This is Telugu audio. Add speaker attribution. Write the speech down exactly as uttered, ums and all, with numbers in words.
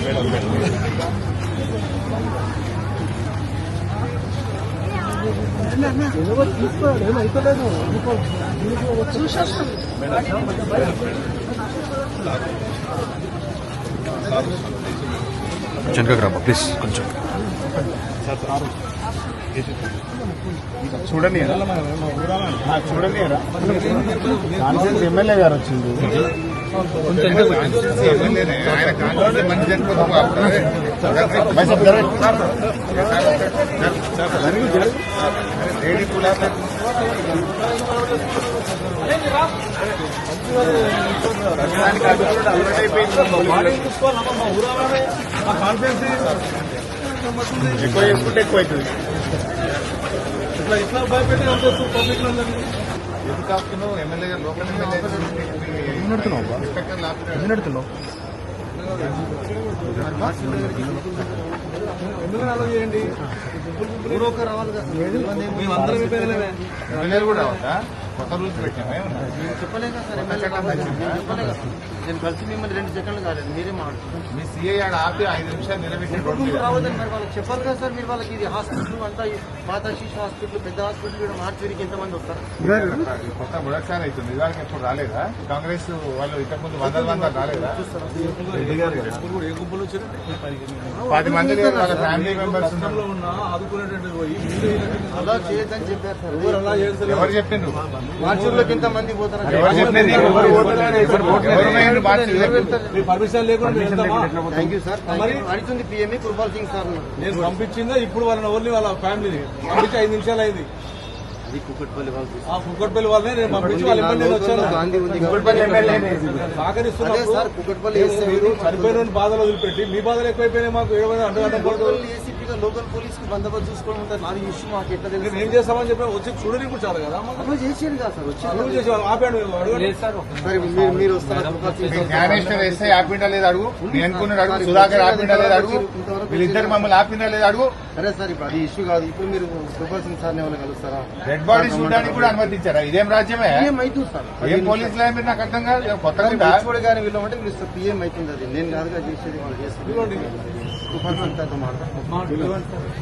Speaker 1: తీసుకోవాలి ఏమైతలేదు
Speaker 2: వెనకకి రాబా ప్లీజ్ కొంచెం
Speaker 3: చూడండి చూడండి కాన్ఫరెన్స్ ఎమ్మెల్యే గారు వచ్చింది ఎక్కువ చేసుకుంటే ఎక్కువ అవుతుంది.
Speaker 1: ఇట్లా ఇట్లా భయపెట్టి పబ్లిక్
Speaker 3: ఎందుకు ఆపుతున్నావు? ఎమ్మెల్యే గారు లోకల్ ఎమ్మెల్యే
Speaker 2: నడుతున్నావు
Speaker 1: ఎందుకు అలా చేయండి రావాలి కదా మేమందరం
Speaker 3: ఎమ్మెల్యేలు కూడా రావద్దా? కొత్త రూల్స్ పెట్టామే
Speaker 1: చెప్పలేక సార్ చెప్పలేక నేను కలిసి మిమ్మల్ని రెండు సెకండ్లు కాలేదు మీరే మాట్లాడుతున్నారు.
Speaker 3: మీ సీఐ ఆడ ఆపి ఐదు నిమిషాలు నిలబెట్టి
Speaker 1: రావద్దని మరి వాళ్ళకి చెప్పాలి కదా సార్. మీరు వాళ్ళకి ఇది హాస్పిటల్ అంతా పాత శిశు హాస్పిటల్ పెద్ద హాస్పిటల్ కూడా మార్చేరికి ఎంతమంది వస్తారు?
Speaker 3: కొత్త మొదటిసారి అవుతుంది. ఇవాళకి ఎప్పుడు రాలేదా? కాంగ్రెస్ వాళ్ళు ఇంతకు ముందు వందల వందలు రాలేదా? పది మంది వాళ్ళ ఫ్యామిలీ మెంబర్స్
Speaker 1: అలా చేయొద్దని చెప్పారు సార్.
Speaker 3: ఎవరు చెప్పిండ్రు?
Speaker 1: మార్చూర్లోకి ఎంత మంది పోతారు?
Speaker 3: ఎవరు చెప్పింది?
Speaker 1: పర్మిషన్ లేకుండా థ్యాంక్ యూ సార్. అడుగుతుంది పిఎంఈ కుర్బాల్ సింగ్ సార్ నేను పంపించిందా ఇప్పుడు వాళ్ళని ఓన్లీ వాళ్ళ ఫ్యామిలీని పంపించి ఐదు నిమిషాలు అయింది. అది కుక్కట్పల్లి వాళ్ళు కుక్కట్పల్లి వాళ్ళనే నేను పంపించి వాళ్ళ ఎమ్మెల్యే వచ్చాను. సహకరిస్తున్నారు సార్. కుక్కట్పల్లి చనిపోయిన బాధలు వదిలిపెట్టి మీ బాధలు ఎక్కువైపోయినాయి. మాకు ఏమైనా అడ్డు ఏసీపీగా లోకల్ పోలీస్ కి బందోబస్తు చూసుకోవడం ఉంటుంది. నాది ఇష్యూ మాకు ఎట్లా తెలియదు. ఏం చేస్తామని చెప్పి వచ్చి చూడని కూడా చాలు కదా చేసేది కదా సార్. వచ్చి చేసేవాళ్ళు ఆపాడు మీరు వస్తారు.
Speaker 3: జ్ఞానేశ్వర్ ఎస్ఐ ఆపిండా లేదు అడుగు. నేను అనుకున్నాడు అడుగు. సుధాకర్ ఆపిండా లేదు అడుగు. వీళ్ళిద్దరు మమ్మల్ని ఆపిండా లేదు అడుగు.
Speaker 1: సరే సార్ ఇప్పుడు అది ఇష్యూ కాదు. ఇప్పుడు మీరు కుర్బాల్ సింగ్ సార్ ఎవరైనా కలుస్తారా?
Speaker 3: డెడ్ బాడీ చూడడానికి కూడా అనుమతించారా? ఇదేం రాజ్యమే?
Speaker 1: అవుతుంది సార్.
Speaker 3: ఏం పోలీసులు మీరు నాకు అర్థం కాదు. కొత్తగా
Speaker 1: కానీ వీళ్ళు అంటే మీరు పిఎం అవుతుంది. అది నేను కాదుగా చేసేది వాళ్ళు చేస్తారు.